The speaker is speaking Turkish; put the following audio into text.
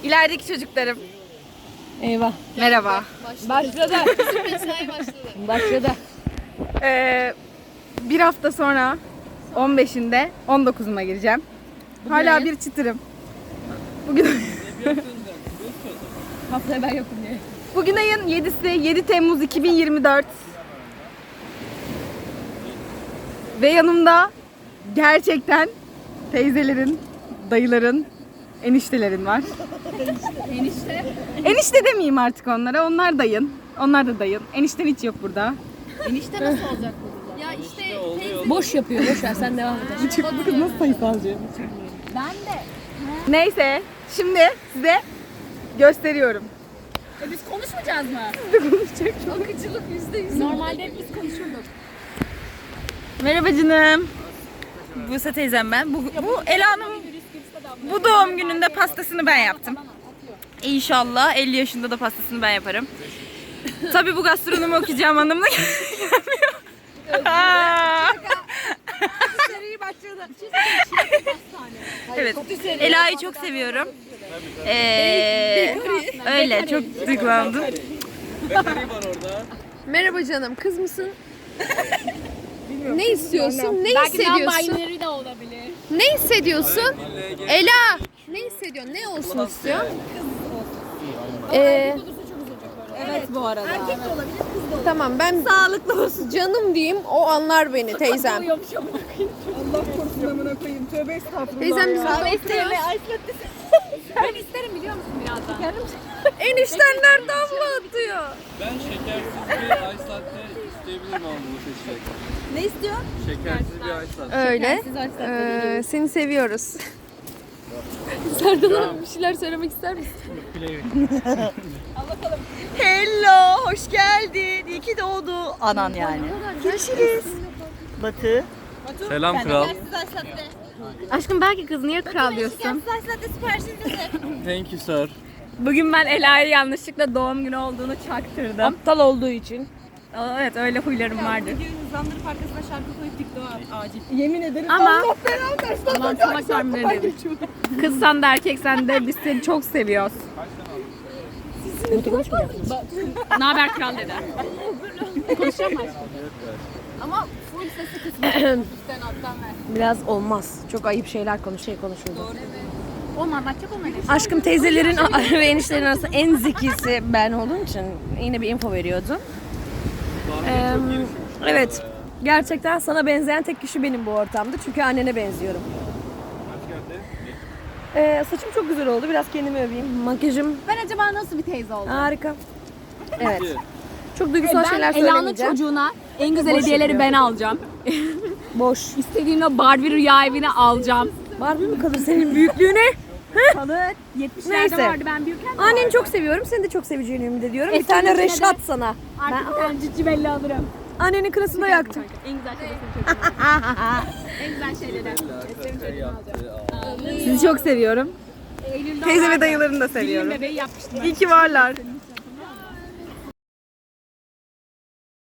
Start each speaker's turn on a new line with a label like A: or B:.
A: İlerideki çocuklarım.
B: Eyvah.
A: Merhaba.
B: Başladı.
C: Mesai başladı.
B: Başladı.
A: Bir hafta sonra 15'inde 19'uma gireceğim. Hala bir çıtırım. Bugün
B: Haftaya ben yokum diye.
A: bugün ayın 7'si, 7 Temmuz 2024. Ve yanımda gerçekten teyzelerin, dayıların, eniştelerin var.
B: Enişte.
A: Enişte demeyeyim artık onlara. Onlar dayın. Onlar da dayın. Enişten hiç yok burada.
B: Enişte nasıl olacak bu?
C: Ya işte teyze
B: Boş yapıyor. Boş ver sen devam et.
A: Bu kız nasıl sayısalcı?
B: Ben de.
A: Neyse, şimdi size gösteriyorum.
B: Biz konuşmayacağız mı?
C: akıcılık %100.
B: Normalde hep biz konuşurduk.
A: Merhaba canım. Buse teyzem ben. Bu Ela'nın bu doğum gününde pastasını ben yaptım. İnşallah 50 yaşında da pastasını ben yaparım. Tabii bu gastronomi okuyacağım anlamına gelmiyor.
C: Seri başladı.
A: Evet. Ela'yı çok seviyorum. Öyle çok duygulandım.
C: Merhaba canım, kız mısın? Ne istiyorsun? Ne hissediyorsun?
B: de olabilir.
C: Ne hissediyorsun? Ela! Ne hissediyorsun? Ne olsun istiyorsun?
A: Evet bu arada.
C: Tamam ben sağlıklı olsun canım diyeyim, o anlar beni teyzem.
A: Allah korusun amına koyayım. Tövbe estağfurullah.
C: Teyzem biz burada oturuyoruz.
B: Ben isterim biliyor musun birazdan?
C: Eniştenler damla atıyor.
D: Ben şekersiz bir ice latte isteyebilirim ama bunu seçecek.
A: Ne istiyor?
D: Şekersiz bir ice latte.
C: Öyle. Seni seviyoruz. Serdar Hanım bir şeyler söylemek ister misin?
A: Hello, hoş geldin. İyi ki doğdu. Anan yani. Görüşürüz. Batı.
D: Selam kral.
A: Aşkım belki kız niye kral diyorsun?
D: Thank you sir.
A: Bugün ben Ela'ya yanlışlıkla doğum günü olduğunu çaktırdım.
B: Aptal olduğu için.
A: Evet öyle huylarım vardı.
E: Hızlandırıp arkasına şarkı koyup TikTok'a acil.
A: Yemin ederim. Ama aman salak tahmin ederim. Kız sen de erkek sen de biz seni çok seviyoruz. Ne haber kral dedi.
C: Ama full sesi kısmı üstten alttan ver.
B: Biraz olmaz. Çok ayıp şeyler konuşuldu.
A: Olmaz çok olmaz.
B: Aşkım teyzelerin ve enişlerin arasında en zekisi ben olduğum için yine bir info veriyordum. Evet. Gerçekten sana benzeyen tek kişi benim bu ortamda. Çünkü annene benziyorum. Saçım çok güzel oldu. Biraz kendimi öveyim. Makyajım
A: Ben acaba nasıl bir teyze oldum?
B: harika. Evet. Çok duygusal şeyler
A: Ela'nın
B: söylemeyeceğim.
A: çocuğuna en güzel hediyeleri ben alacağım.
B: Boş.
A: İstediğin o Barbie rüya evini alacağım.
B: Barbie mi kalır senin büyüklüğüne?
A: Kalır. 70'lerde
B: Neyse.
A: vardı ben büyürken.
B: Anneni çok seviyorum. Seni de çok seveceğini ümit ediyorum. Bir
A: Eski
B: tane
A: içine de-
B: Reşat sana.
A: Artık bir tane cici belli alırım.
B: Annenin kırısında yaktım.
A: En güzel şeyleri En güzel şeyleri. Sizi çok seviyorum. Teyze ve dayılarını da seviyorum.
E: Bebeği yapmıştım.
A: İyi ki varlar.